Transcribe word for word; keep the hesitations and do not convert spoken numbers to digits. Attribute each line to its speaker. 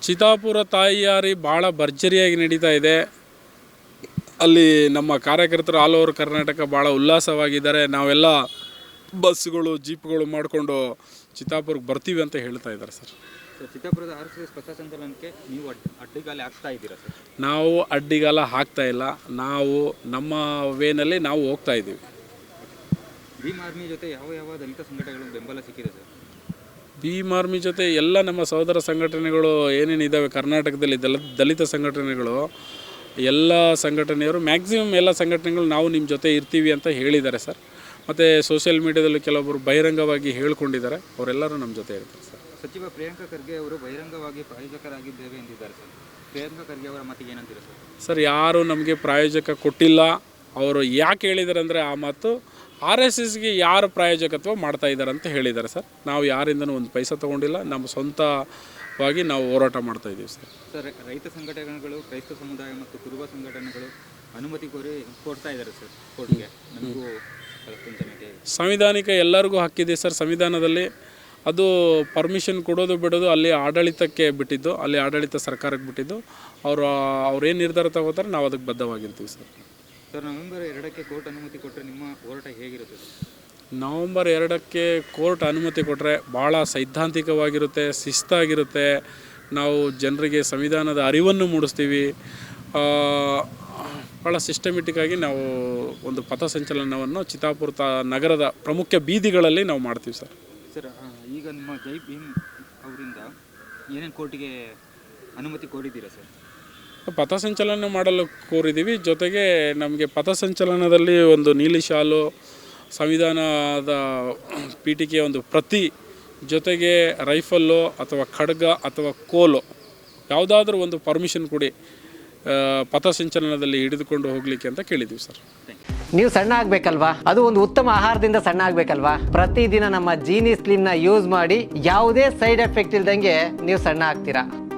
Speaker 1: ಚಿತ್ತಾಪುರ ತಾಯಿಯಾರಿ ಭಾಳ ಭರ್ಜರಿಯಾಗಿ ನಡೀತಾ ಇದೆ. ಅಲ್ಲಿ ನಮ್ಮ ಕಾರ್ಯಕರ್ತರು ಆಲ್ ಓವರ್ ಕರ್ನಾಟಕ ಭಾಳ ಉಲ್ಲಾಸವಾಗಿದ್ದಾರೆ. ನಾವೆಲ್ಲ ಬಸ್ಸುಗಳು ಜೀಪ್ಗಳು ಮಾಡಿಕೊಂಡು ಚಿತ್ತಾಪುರಕ್ಕೆ ಬರ್ತೀವಿ ಅಂತ ಹೇಳ್ತಾ ಇದ್ದಾರೆ ಸರ್.
Speaker 2: ಚಿತ್ತಾಪುರದ ಆರ್ ಎಸ್ ಎಸ್ ಪಥಸಂಚಲನಕ್ಕೆ ನೀವು ಅಡ್ಡಿಗಾಲ ಹಾಕ್ತಾ ಇದ್ದೀರಾ ಸರ್?
Speaker 1: ನಾವು ಅಡ್ಡಿಗಾಲ ಹಾಕ್ತಾ ಇಲ್ಲ. ನಾವು ನಮ್ಮ ವೇನಲ್ಲಿ ನಾವು ಹೋಗ್ತಾ ಇದ್ದೀವಿ.
Speaker 2: ಭೀಮ್ ಆರ್ಮಿ ಜೊತೆ ಯಾವ ಯಾವ ದಲಿತ ಸಂಘಟನೆಗಳು ಬೆಂಬಲ ಸಿಕ್ಕಿದೆ ಸರ್?
Speaker 1: ಭೀಮ್ ಆರ್ಮಿ ಜೊತೆ ಎಲ್ಲ ನಮ್ಮ ಸಹೋದರ ಸಂಘಟನೆಗಳು ಏನೇನಿದ್ದಾವೆ ಕರ್ನಾಟಕದಲ್ಲಿ ದಲ ದಲಿತ ಸಂಘಟನೆಗಳು ಎಲ್ಲ ಸಂಘಟನೆಯವರು ಮ್ಯಾಕ್ಸಿಮಮ್ ಎಲ್ಲ ಸಂಘಟನೆಗಳು ನಾವು ನಿಮ್ಮ ಜೊತೆ ಇರ್ತೀವಿ ಅಂತ ಹೇಳಿದ್ದಾರೆ ಸರ್. ಮತ್ತು ಸೋಷಿಯಲ್ ಮೀಡಿಯಾದಲ್ಲಿ ಕೆಲವೊಬ್ಬರು ಬಹಿರಂಗವಾಗಿ ಹೇಳ್ಕೊಂಡಿದ್ದಾರೆ, ಅವರೆಲ್ಲರೂ ನಮ್ಮ ಜೊತೆ ಇರ್ತಾರೆ ಸರ್.
Speaker 2: ಸಚಿವ ಪ್ರಿಯಾಂಕಾ ಖರ್ಗೆ ಅವರು ಬಹಿರಂಗವಾಗಿ ಪ್ರಾಯೋಜಕರಾಗಿದ್ದೇವೆ ಎಂದಿದ್ದಾರೆ ಸರ್. ಪ್ರಿಯಾಂಕಾ ಖರ್ಗೆ ಅವರ ಮಾತಿಗೆ ಏನಂತೀರಾ ಸರ್?
Speaker 1: ಸರ್, ಯಾರು ನಮಗೆ ಪ್ರಾಯೋಜಕ ಕೊಟ್ಟಿಲ್ಲ. ಅವರು ಯಾಕೆ ಹೇಳಿದ್ದಾರೆ ಅಂದರೆ ಆ ಮಾತು ಆರ್ ಎಸ್ ಎಸ್ಗೆ ಯಾರು ಪ್ರಾಯೋಜಕತ್ವ ಮಾಡ್ತಾ ಇದ್ದಾರೆ ಅಂತ ಹೇಳಿದ್ದಾರೆ ಸರ್. ನಾವು ಯಾರಿಂದನೂ ಒಂದು ಪೈಸಾ ತೊಗೊಂಡಿಲ್ಲ, ನಮ್ಮ ಸ್ವಂತವಾಗಿ ನಾವು ಹೋರಾಟ ಮಾಡ್ತಾ ಇದ್ದೀವಿ ಸರ್.
Speaker 2: ಸರ್, ರೈತ ಸಂಘಟನೆಗಳು, ಕ್ರೈಸ್ತ ಸಮುದಾಯ ಮತ್ತು ಕುರುಬ ಸಂಘಟನೆಗಳು ಅನುಮತಿ ಕೋರಿ ಕೊಡ್ತಾ ಇದ್ದಾರೆ ಸರ್ ಕೋರ್ಟ್ಗೆ. ನಮಗೂ
Speaker 1: ಸಂವಿಧಾನಿಕ ಎಲ್ಲರಿಗೂ ಹಕ್ಕಿದೆ ಸರ್. ಸಂವಿಧಾನದಲ್ಲಿ ಅದು ಪರ್ಮಿಷನ್ ಕೊಡೋದು ಬಿಡೋದು ಅಲ್ಲಿ ಆಡಳಿತಕ್ಕೆ ಬಿಟ್ಟಿದ್ದು, ಅಲ್ಲಿ ಆಡಳಿತ ಸರ್ಕಾರಕ್ಕೆ ಬಿಟ್ಟಿದ್ದು. ಅವರು ಅವ್ರೇನು ನಿರ್ಧಾರ ತಗೋತಾರೆ ನಾವು ಅದಕ್ಕೆ ಬದ್ಧವಾಗಿರ್ತೀವಿ ಸರ್.
Speaker 2: ಸರ್, ನವೆಂಬರ್ ಎರಡಕ್ಕೆ ಕೋರ್ಟ್ ಅನುಮತಿ ಕೊಟ್ಟರೆ ನಿಮ್ಮ ಹೋರಾಟ ಹೇಗಿರುತ್ತೆ ಸರ್?
Speaker 1: ನವಂಬರ್ ಎರಡಕ್ಕೆ ಕೋರ್ಟ್ ಅನುಮತಿ ಕೊಟ್ಟರೆ ಭಾಳ ಸೈದ್ಧಾಂತಿಕವಾಗಿರುತ್ತೆ, ಶಿಸ್ತಾಗಿರುತ್ತೆ. ನಾವು ಜನರಿಗೆ ಸಂವಿಧಾನದ ಅರಿವನ್ನು ಮೂಡಿಸ್ತೀವಿ. ಭಾಳ ಸಿಸ್ಟಮೆಟಿಕ್ಕಾಗಿ ನಾವು ಒಂದು ಪಥಸಂಚಲನವನ್ನು ಚಿತ್ತಾಪುರ ತಾ ನಗರದ ಪ್ರಮುಖ ಬೀದಿಗಳಲ್ಲಿ ನಾವು ಮಾಡ್ತೀವಿ ಸರ್.
Speaker 2: ಸರ್, ಈಗ ನಿಮ್ಮ ಜೈ ಭೀಮ್ ಅವರಿಂದ ಏನೇನು ಕೋರ್ಟಿಗೆ ಅನುಮತಿ ಕೋರಿದ್ದೀರಾ ಸರ್?
Speaker 1: ಪಥಸಂಚಲನ ಮಾಡಲು ಕೋರಿದ್ದೀವಿ. ಜೊತೆಗೆ ನಮಗೆ ಪಥಸಂಚಲನದಲ್ಲಿ ಒಂದು ನೀಲಿ ಶಾಲು, ಸಂವಿಧಾನದ ಪೀಠಿಕೆಯ ಒಂದು ಪ್ರತಿ, ಜೊತೆಗೆ ರೈಫಲ್ಲು ಅಥವಾ ಖಡ್ಗ ಅಥವಾ ಕೋಲು ಯಾವುದಾದ್ರೂ ಒಂದು ಪರ್ಮಿಷನ್ ಕೊಡಿ ಪಥಸಂಚಲನದಲ್ಲಿ ಹಿಡಿದುಕೊಂಡು ಹೋಗಲಿಕ್ಕೆ ಅಂತ ಕೇಳಿದ್ದೀವಿ ಸರ್.
Speaker 3: ನೀವು ಸಣ್ಣ ಆಗಬೇಕಲ್ವಾ? ಅದು ಒಂದು ಉತ್ತಮ ಆಹಾರದಿಂದ ಸಣ್ಣ ಆಗಬೇಕಲ್ವಾ? ಪ್ರತಿದಿನ ನಮ್ಮ ಜೀನಿ ಸ್ಲಿಮ್ನ ಯೂಸ್ ಮಾಡಿ ಯಾವುದೇ ಸೈಡ್ ಎಫೆಕ್ಟ್ ಇಲ್ದಂಗೆ ನೀವು ಸಣ್ಣ ಆಗ್ತೀರಾ.